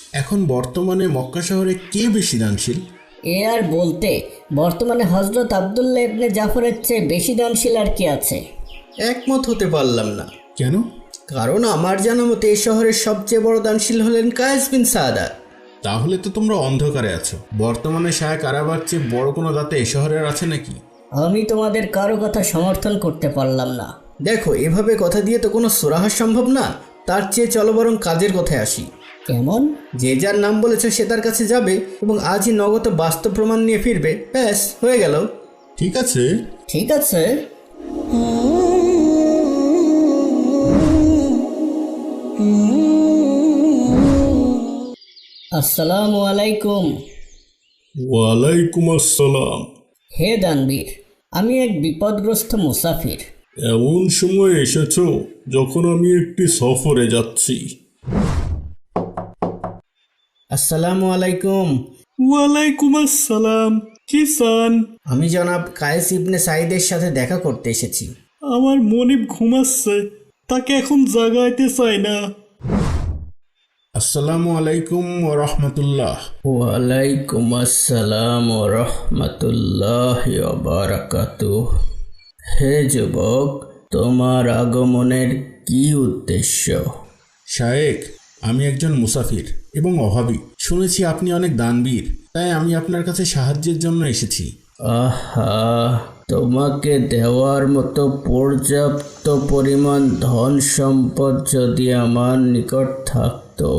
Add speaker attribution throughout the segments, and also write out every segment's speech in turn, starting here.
Speaker 1: এখন বর্তমানে মক্কা শহরে কে বেশি দানশীল?
Speaker 2: এ আর বলতে, বর্তমানে হজরত আবদুল্লাহ ইবনে জাফরের চেয়ে বেশি দানশীল আর কে আছে?
Speaker 3: একমত হতে পারলাম না।
Speaker 1: কেন?
Speaker 3: কারণ আমার জানা মতে এই শহরের সবচেয়ে বড় দানশীল হলেন কায়েস বিন সাদাত।
Speaker 1: তাহলে তো তোমরা অন্ধকারে আছো। বর্তমানে শায়েখ আরাবার চেয়ে বড় কোনো দাতা এ শহরের আছে নাকি?
Speaker 2: আমি তোমাদের কারো কথা সমর্থন করতে পারলাম না।
Speaker 3: দেখো, এভাবে কথা দিয়ে তো কোনো সুরাহা সম্ভব না। তার চেয়ে চলো বরং কাজের কথায় আসি।
Speaker 2: কেমন?
Speaker 3: যে যার নাম বলেছ সে তার কাছে যাবে এবং আজই নগদ বাস্তব প্রমাণ নিয়ে ফিরবে। ব্যাস, হয়ে গেল।
Speaker 1: ঠিক আছে।
Speaker 2: ঠিক আছে। আসসালামু আলাইকুম।
Speaker 1: ওয়ালাইকুম আসসালাম।
Speaker 2: হে দানবীর, আমি এক বিপদগ্রস্ত মুসাফির।
Speaker 1: এমন সময় এসেছো যখন আমি একটি সফরে যাচ্ছি।
Speaker 3: আসসালামু আলাইকুম।
Speaker 4: ওয়ালাইকুম আসসালাম। কি চান?
Speaker 3: আমি জনাব কায়েস ইবনে সাইদের সাথে দেখা করতে এসেছি।
Speaker 4: আমার মনিব ঘুমাচ্ছে, তাকে এখন জাগাইতে চাই না।
Speaker 1: আসসালামু আলাইকুম ওয়া রাহমাতুল্লাহ।
Speaker 3: ওয়ালাইকুম আসসালাম ওয়া রাহমাতুল্লাহি ওয়া বারাকাতুহু। হে যুবক, তোমার আগমনের কি উদ্দেশ্য?
Speaker 1: শায়েখ, আমি একজন মুসাফির এবং অভাবী। শুনেছি আপনি অনেক দানবীর, তাই আমি আপনার কাছে সাহায্যের জন্য এসেছি।
Speaker 3: আহা, তোমাকে দেওয়ার মতো পর্যাপ্ত পরিমাণ ধন সম্পদ যদি আমার নিকট থাকতো।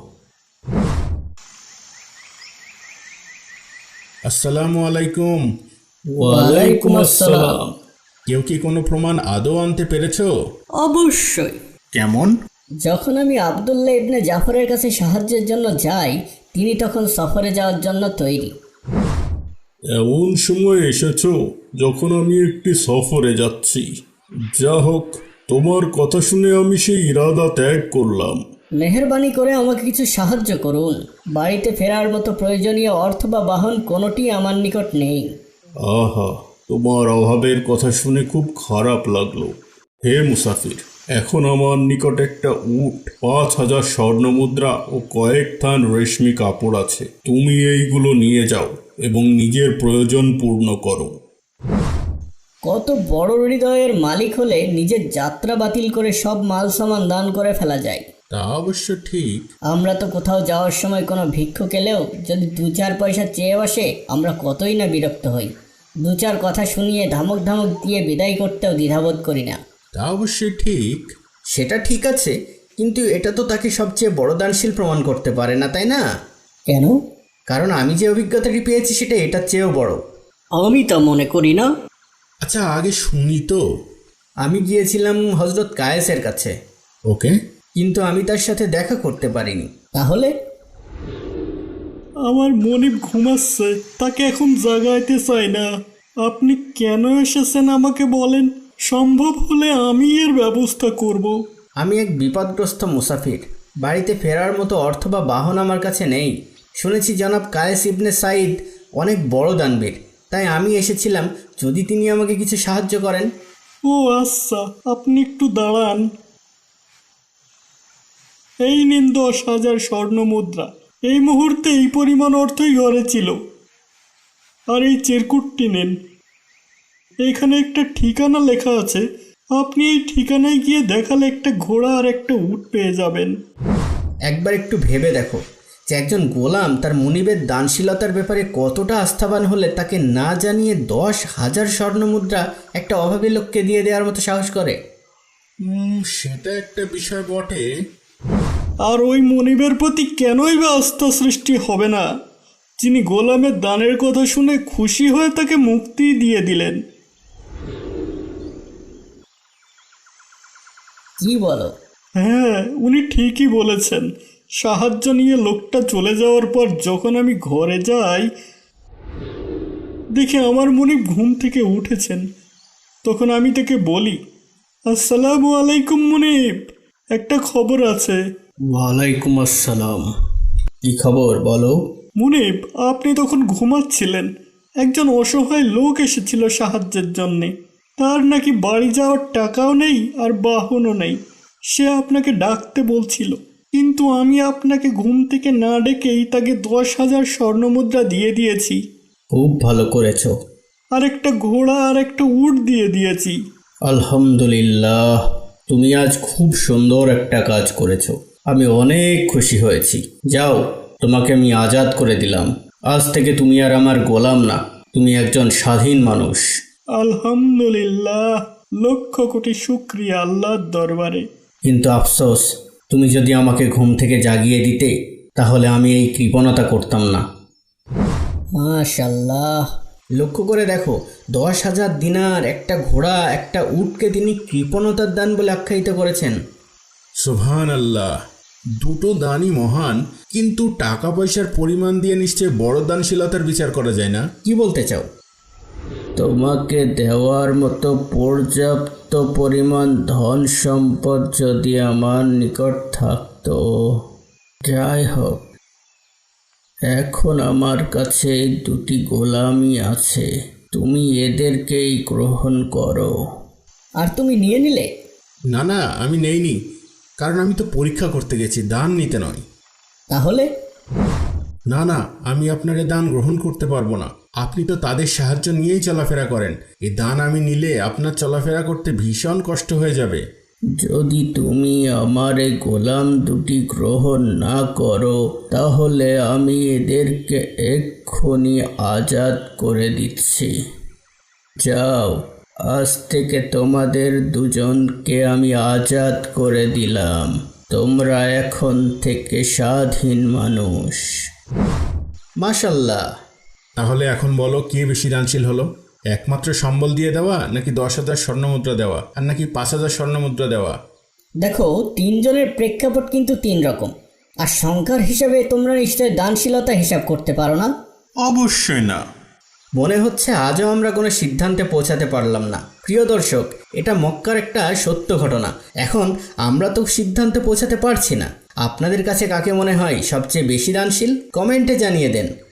Speaker 1: আসসালামু আলাইকুম।
Speaker 3: ওয়ালাইকুম আসসালাম।
Speaker 1: কেউ কি কোনো প্রমাণ আদৌ আনতে পেরেছো?
Speaker 2: অবশ্যই।
Speaker 1: কেমন?
Speaker 2: যখন আমি আবদুল্লাহ ইবনে জাফরের কাছে সাহায্যের জন্য যাই, তিনি তখন সফরে যাওয়ার জন্য তৈরি।
Speaker 1: এমন সময় এসেছো যখন আমি একটি সফরে যাচ্ছি। যা হোক, তোমার কথা শুনে আমি সেই ইরাদা ত্যাগ করলাম।
Speaker 2: মেহেরবানি করে আমাকে কিছু সাহায্য করুন। বাড়িতে ফেরার মতো প্রয়োজনীয় অর্থ বা বাহন কোনোটি আমার নিকট নেই।
Speaker 1: আহা, তোমার অভাবের কথা শুনে খুব খারাপ লাগলো। হে মুসাফির, এখন আমার নিকট একটা উট, 5,000 স্বর্ণমুদ্রা ও কয়েক থান রেশমি কাপড় আছে। তুমি এইগুলো নিয়ে যাও এবং নিজের প্রয়োজন পূর্ণ করো।
Speaker 2: কত বড় হৃদয়ের মালিক হলে নিজের যাত্রা বাতিল করে সব মাল সামান দান করে ফেলা যায়।
Speaker 1: তা অবশ্য ঠিক।
Speaker 2: আমরা তো কোথাও যাওয়ার সময় কোনো ভিক্ষুক এলেও যদি 2-4 পয়সা চেয়ে বসে, আমরা কতই না বিরক্ত হই। 2-4 কথা শুনিয়ে ধমক ধমক দিয়ে বিদায় করতেও দ্বিধাবোধ করি না।
Speaker 1: তা অবশ্যই ঠিক।
Speaker 3: সেটা ঠিক আছে, কিন্তু এটা তো তাকে সবচেয়ে বড় দানশীল প্রমাণ করতে পারে না, তাই না?
Speaker 2: কেন?
Speaker 3: কারণ আমি যে অভিজ্ঞতাটি পেয়েছি সেটা এটার চেয়েও বড়।
Speaker 2: আমি তা মনে করি না।
Speaker 1: আচ্ছা, আগে শুনি তো।
Speaker 3: আমি গিয়েছিলাম হজরত কায়েসের কাছে,
Speaker 1: ওকে।
Speaker 3: কিন্তু আমি তার সাথে দেখা করতে পারিনি।
Speaker 2: তাহলে?
Speaker 4: আমার মনিব ঘুমাচ্ছে, তাকে এখন জাগাইতে চাই না। আপনি কেন এসেছেন আমাকে বলেন, সম্ভব হলে আমি এর ব্যবস্থা করব।
Speaker 3: আমি এক বিপদগ্রস্ত মুসাফির। বাড়িতে ফেরার মতো অর্থ বা বাহন আমার কাছে নেই। শুনেছি জনাব কায়েস ইবনে সাইদ অনেক বড় দানবীর, তাই আমি এসেছিলাম যদি তিনি আমাকে কিছু সাহায্য করেন।
Speaker 4: ও আচ্ছা, আপনি একটু দাঁড়ান। এই নিন 10,000 স্বর্ণমুদ্রা। এই মুহূর্তে এই পরিমাণ অর্থই ঘরে ছিল। আর এই চিরকুটটি নিন। এখানে একটা ঠিকানা লেখা আছে, আপনি এই ঠিকানায় গিয়ে দেখালে একটা ঘোড়া আর একটা উট পেয়ে যাবেন।
Speaker 3: একবার একটু ভেবে দেখো যে একজন গোলাম তার মুনিবের দানশীলতার ব্যাপারে কতটা আস্থাবান হলে তাকে না জানিয়ে 10,000 স্বর্ণমুদ্রা একটা অভাবী লোককে দিয়ে দেওয়ার মতো সাহস করে।
Speaker 1: সেটা একটা বিষয় বটে।
Speaker 4: আর ওই মনিবের প্রতি কেনই বা আস্থা সৃষ্টি হবে না, যিনি গোলামের দানের কথা শুনে খুশি হয়ে তাকে মুক্তি দিয়ে দিলেন।
Speaker 2: কি বলো?
Speaker 4: হ্যাঁ, উনি ঠিকই বলেছেন। সাহায্য নিয়ে লোকটা চলে যাওয়ার পর যখন আমি ঘরে যাই, দেখি আমার মনিব ঘুম থেকে উঠেছেন। তখন আমি তাকে বলি, আসসালামু আলাইকুম মনিব, একটা খবর আছে।
Speaker 3: ওয়ালাইকুম আসসালাম। কি খবর বলো?
Speaker 4: মুনিব, আপনি তখন ঘুমাচ্ছিলেন। একজন অসহায় লোক এসেছিল সাহায্যের জন্যে। তার নাকি বাড়ি যাওয়ার টাকাও নেই আর বাহনও নেই। সে আপনাকে ডাকতে বলছিল। কিন্তু আমি আপনাকে ঘুম থেকে না ডেকেই তাকে 10,000 স্বর্ণমুদ্রা দিয়ে দিয়েছি।
Speaker 3: খুব ভালো করেছো।
Speaker 4: আর একটা ঘোড়া আর একটা উট দিয়ে দিয়েছি।
Speaker 3: আলহামদুলিল্লাহ, তুমি আজ খুব সুন্দর একটা কাজ করেছো। আমি অনেক খুশি হয়েছি। যাও, তোমাকে আমি আজাদ করে দিলাম। আজ থেকে তুমি আর আমার গোলাম না, তুমি একজন স্বাধীন মানুষ।
Speaker 4: আলহামদুলিল্লাহ, লক্ষ কোটি শুকরিয়া আল্লাহর দরবারে।
Speaker 3: কিন্তু আফসোস, তুমি যদি আমাকে ঘুম থেকে জাগিয়ে দিতে তাহলে আমি এই কৃপণতা করতাম না।
Speaker 2: মাশাল্লাহ।
Speaker 3: লক্ষ্য করে দেখো, 10,000 দিনার, একটা ঘোড়া, একটা উটকে তিনি কৃপণতার দান বলে আখ্যায়িত করেছেন।
Speaker 1: সুবহান আল্লাহ, দুটো দানই মহান, কিন্তু টাকা পয়সার পরিমাণ দিয়ে নিশ্চয় বড় দানশীলতার বিচার করা যায় না।
Speaker 3: কি বলতে চাও? তোমাকে দেওয়ার মতো পর্যাপ্ত পরিমাণ ধন সম্পদ যদি আমার নিকট থাকতো। যাই হোক, এখন আমার কাছে দুটি গোলামি আছে, তুমি এদেরকেই গ্রহণ করো।
Speaker 2: আর তুমি নিয়ে নিলে?
Speaker 1: না না, আমি নেইনি, কারণ আমি তো পরীক্ষা করতে গেছি, দান নিতে নয়।
Speaker 2: তাহলে?
Speaker 1: না না, আমি আপনার এ দান গ্রহণ করতে পারবো না। আপনি তো তাদের সাহায্য নিয়েই চলাফেরা করেন। এই দান আমি নিলে আপনার চলাফেরা করতে ভীষণ কষ্ট হয়ে যাবে।
Speaker 3: যদি তুমি আমার এই গোলাম দুটি গ্রহণ না করো তাহলে আমি এদেরকে এক্ষুনি আজাদ করে দিচ্ছি। যাও, আজ থেকে তোমাদের দুজনকে আমি আজাদ করে দিলাম। তোমরা এখন থেকে স্বাধীন মানুষ। মাশাল্লাহ।
Speaker 1: তাহলে এখন বলো, কে বেশি দানশীল হলো? একমাত্র সম্বল দিয়ে দেওয়া, নাকি 10,000 স্বর্ণমুদ্রা দেওয়া, আর নাকি 5,000 স্বর্ণমুদ্রা দেওয়া?
Speaker 2: দেখো, তিনজনের প্রেক্ষাপট কিন্তু তিন রকম। আর সংখ্যার হিসাবে তোমরা নিশ্চয় দানশীলতা হিসাব করতে পারো না।
Speaker 1: অবশ্যই না।
Speaker 3: মনে হচ্ছে আজও আমরা কোনো সিদ্ধান্তে পৌঁছাতে পারলাম না। প্রিয় দর্শক, এটা মক্কার একটা সত্য ঘটনা। এখন আমরা তো সিদ্ধান্তে পৌঁছাতে পারছি না। আপনাদের কাছে কাকে মনে হয় সবচেয়ে বেশি দানশীল? কমেন্টে জানিয়ে দেন।